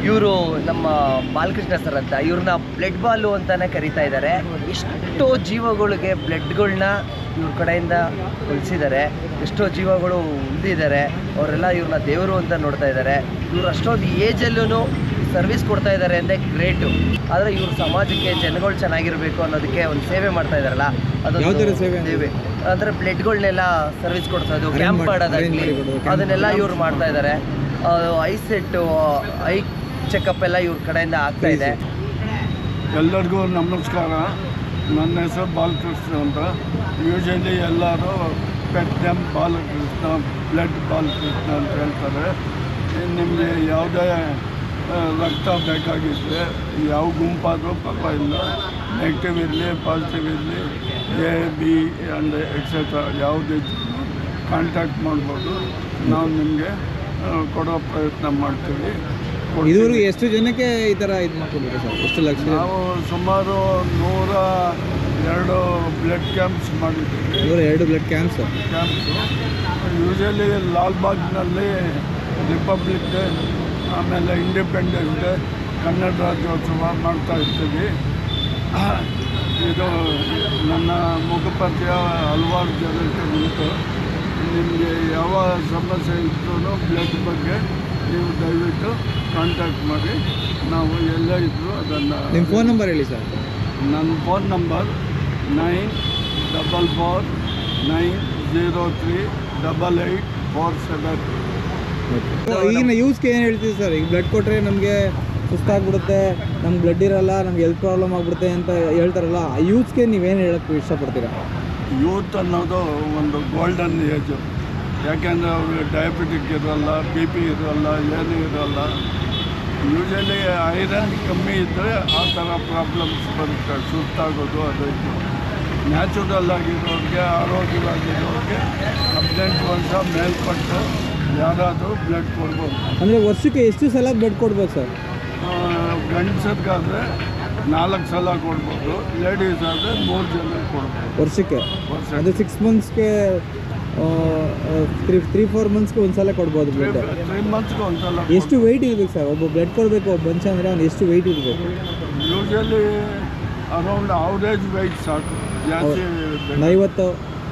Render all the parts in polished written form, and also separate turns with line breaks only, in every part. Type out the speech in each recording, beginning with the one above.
ಇವರು ನಮ್ಮ ಬಾಲಕೃಷ್ಣ ಸರ್ ಅಂತ, ಇವ್ರನ್ನ ಬ್ಲಡ್ ಬಾಲು ಅಂತಲೇ ಕರೀತಾ ಇದ್ದಾರೆ. ಎಷ್ಟೋ ಜೀವಗಳಿಗೆ ಬ್ಲಡ್ಗಳನ್ನ ಇವ್ರ ಕಡೆಯಿಂದ ಉಳಿಸಿದ್ದಾರೆ. ಎಷ್ಟೋ ಜೀವಗಳು ಉಳಿದಿದ್ದಾರೆ. ಅವರೆಲ್ಲ ಇವ್ರನ್ನ ದೇವರು ಅಂತ ನೋಡ್ತಾ ಇದ್ದಾರೆ. ಇವ್ರು ಅಷ್ಟೊಂದು ಏಜಲ್ಲೂ ಸರ್ವಿಸ್ ಕೊಡ್ತಾ ಇದ್ದಾರೆ ಅಂದರೆ ಗ್ರೇಟು. ಆದರೆ ಇವ್ರ ಸಮಾಜಕ್ಕೆ ಜನಗಳು ಚೆನ್ನಾಗಿರಬೇಕು ಅನ್ನೋದಕ್ಕೆ ಒಂದು ಸೇವೆ ಮಾಡ್ತಾ ಇದ್ದಾರಲ್ಲ, ಅದೊಂದು ಸೇವೆ. ಅಂದರೆ ಬ್ಲಡ್ಗಳನ್ನೆಲ್ಲ ಸರ್ವಿಸ್ ಕೊಡ್ಸೋದು, ಕ್ಯಾಂಪ್ ಮಾಡೋದಾಗಲಿ, ಅದನ್ನೆಲ್ಲ ಇವ್ರು ಮಾಡ್ತಾ ಇದ್ದಾರೆ. ಐ ಸೆಟ್ಟು, ಐ ಚೆಕಪ್ ಎಲ್ಲ ಇವ್ರ ಕಡೆಯಿಂದ ಆಗ್ತಾ ಇದೆ.
ಎಲ್ಲರಿಗೂ ನಮಸ್ಕಾರ. ನನ್ನ ಹೆಸರು ಬಾಲಕೃಷ್ಣ ಅಂತ. ಯೂಶಲಿ ಎಲ್ಲರೂ pet name Balakrishna, blood Balakrishna ಅಂತ ಹೇಳ್ತಾರೆ. ನಿಮಗೆ ಯಾವುದೇ ರಕ್ತ ಬೇಕಾಗಿದ್ದರೆ ಯಾವ ಗುಂಪಾದರೂ ಪರವಾಗಿಲ್ಲ, ನೆಗೆಟಿವ್ ಇರಲಿ ಪಾಸಿಟಿವ್ ಇರಲಿ, ಎ ಬಿ ಆ್ಯಂಡ್ ಎಕ್ಸೆಟ್ರಾ ಯಾವುದೇ ಕಾಂಟ್ಯಾಕ್ಟ್ ಮಾಡ್ಬೋದು. ನಾವು ನಿಮಗೆ ಕೊಡೋ ಪ್ರಯತ್ನ ಮಾಡ್ತೀವಿ.
ಇದುವರೆಗೂ ಎಷ್ಟು ಜನಕ್ಕೆ ಈ ಥರ ಇದು ಮಾಡ್ಕೊಂಡಿದ್ದೀರಾ ಸರ್? ಎಷ್ಟು ಲಕ್ಷ?
ನಾವು ಸುಮಾರು 102 ಬ್ಲಡ್ ಕ್ಯಾಂಪ್ಸ್ ಮಾಡಿದ್ದೀವಿ.
102 ಬ್ಲಡ್ ಕ್ಯಾಂಪ್ಸು.
ಯೂಶಲಿ ಲಾಲ್ಬಾಗ್ನಲ್ಲಿ ರಿಪಬ್ಲಿಕ್ ಡೇ, ಆಮೇಲೆ ಇಂಡಿಪೆಂಡೆನ್ಸ್ ಡೇ, ಕನ್ನಡ ರಾಜ್ಯೋತ್ಸವ ಮಾಡ್ತಾ ಇರ್ತೀವಿ. ಇದು ನನ್ನ ಮುಖಪರಿಚಯ ಹಲವಾರು ಜನಕ್ಕೆ ಉಂಟು. ನಿಮಗೆ ಯಾವ ಸಮಸ್ಯೆ ಇದ್ರೂ ಬ್ಲಡ್ ಬಗ್ಗೆ ನೀವು ದಯವಿಟ್ಟು ಕಾಂಟ್ಯಾಕ್ಟ್ ಮಾಡಿ. ನಾವು ಎಲ್ಲೇ ಇದ್ದರೂ ಅದನ್ನು.
ನಿಮ್ಮ ಫೋನ್ ನಂಬರ್ ಹೇಳಿ ಸರ್.
ನನ್ನ ಫೋನ್ ನಂಬರ್ 9449038847.
ಈಗಿನ ಯೂಸ್ಗೆ ಏನು ಹೇಳ್ತೀವಿ ಸರ್? ಈಗ ಬ್ಲಡ್ ಕೊಟ್ಟರೆ ನಮಗೆ ಸುಸ್ತಾಗ್ಬಿಡುತ್ತೆ, ನಮ್ಗೆ ಬ್ಲಡ್ ಇರೋಲ್ಲ, ನಮ್ಗೆ ಹೆಲ್ತ್ ಪ್ರಾಬ್ಲಮ್ ಆಗಿಬಿಡುತ್ತೆ ಅಂತ ಹೇಳ್ತಾರಲ್ಲ, ಆ ಯೂತ್ಗೆ ನೀವೇನು ಹೇಳೋಕ್ಕೆ ಇಷ್ಟಪಡ್ತೀರಾ?
ಯೂತ್ ಅನ್ನೋದು ಒಂದು ಗೋಲ್ಡನ್ ಏಜು. ಯಾಕೆಂದರೆ ಅವ್ರಿಗೆ ಡಯಾಬಿಟಿಕ್ ಇರೋಲ್ಲ, ಬಿ ಪಿ ಇರೋಲ್ಲ, ಏನೂ ಇರೋಲ್ಲ. ಯೂಶಲಿ ಐರನ್ ಕಮ್ಮಿ ಇದ್ದರೆ ಆ ಥರ ಪ್ರಾಬ್ಲಮ್ಸ್ ಬರುತ್ತೆ, ಸುಸ್ತಾಗೋದು ಅದು ಇದು. ನ್ಯಾಚುರಲ್ ಆಗಿರೋರಿಗೆ, ಆರೋಗ್ಯವಾಗಿರೋರಿಗೆ 18 ವರ್ಷ ಮೇಲ್ಪಟ್ಟು ಯಾರಾದರೂ ಬ್ಲಡ್ ಕೊಡ್ಬೋದು.
ಅಂದರೆ ವರ್ಷಕ್ಕೆ ಎಷ್ಟು ಸಲ ಬ್ಲಡ್ ಕೊಡ್ಬೇಕು ಸರ್?
ಗಂಡಸರಿಗಾದರೆ 4 ಸಲ ಕೊಡ್ಬೋದು, ಲೇಡೀಸ್ ಆದರೆ 3 ಜನ ಕೊಡ್ಬೋದು
ವರ್ಷಕ್ಕೆ. ಅದು 6 ಮಂತ್ಸ್ಗೆ 3-4 ಮಂತ್ಸ್ಗೆ ಒಂದು ಸಲ ಕೊಡ್ಬೋದು ಬ್ಲಡ್.
3 ಮಂತ್ಸ್ಗೆ ಒಂದು ಸಲ.
ಎಷ್ಟು ವೆಯ್ಟ್ ಇರಬೇಕು ಸರ್? ಒಬ್ಬ ಬ್ಲಡ್ ಕೊಡಬೇಕು ಒಬ್ಬ ಮನುಷ್ಯ ಅಂದರೆ ಅವ್ನು ಎಷ್ಟು ವೆಯ್ಟ್ ಇರಬೇಕು?
ಯೂಶಲಿ ಅರೌಂಡ್ ಅವರೇಜ್ ವೆಯ್ಟ್ ಸಾಕು, ಜಾಸ್ತಿ
40,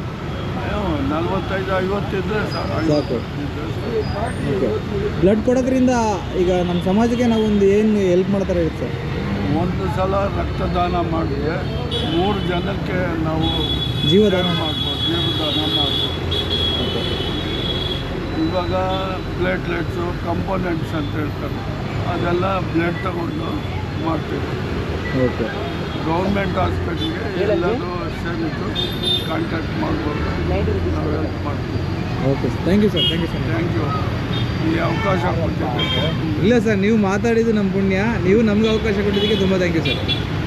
45-50 ಇದ್ದರೆ
ಸಾಕು. ಓಕೆ. ಬ್ಲಡ್ ಕೊಡೋದ್ರಿಂದ ಈಗ ನಮ್ಮ ಸಮಾಜಕ್ಕೆ ನಾವೊಂದು ಏನು ಹೆಲ್ಪ್ ಮಾಡ್ತಾರೆ ಇರುತ್ತೆ ಸರ್?
ಒಂದು ಸಲ ರಕ್ತದಾನ ಮಾಡಿದ್ರೆ 3 ಜನಕ್ಕೆ ನಾವು
ಜೀವದಾನ
ಮಾಡ್ಬೋದು, ಜೀವದಾನ ಮಾಡ್ಬೋದು. ಇವಾಗ ಪ್ಲೇಟ್ಲೆಟ್ಸು, ಕಂಪೋನೆಂಟ್ಸ್ ಅಂತ ಹೇಳ್ತಾರೆ, ಅದೆಲ್ಲ ಬ್ಲಡ್ ತಗೊಂಡು ಮಾಡ್ತೀವಿ.
ಓಕೆ.
ಗೌರ್ಮೆಂಟ್ ಹಾಸ್ಪಿಟ್ಲಿಗೆ ಎಲ್ಲರೂ ಸೇರಿದ್ದು ಕಾಂಟ್ಯಾಕ್ಟ್ ಮಾಡ್ಬೋದು, ನಾವು ಹೆಲ್ಪ್ ಮಾಡ್ತೀವಿ.
Okay sir, thank you sir.
Thank you. ಈ ಅವಕಾಶ ಕೊಟ್ಟಿದ್ದೀವಿ.
ಇಲ್ಲ ಸರ್, ನೀವು ಮಾತಾಡಿದ್ದು ನಮ್ಮ ಪುಣ್ಯ. ನೀವು ನಮ್ಗೆ ಅವಕಾಶ ಕೊಟ್ಟಿದ್ದಕ್ಕೆ ತುಂಬ ಥ್ಯಾಂಕ್ ಯು ಸರ್.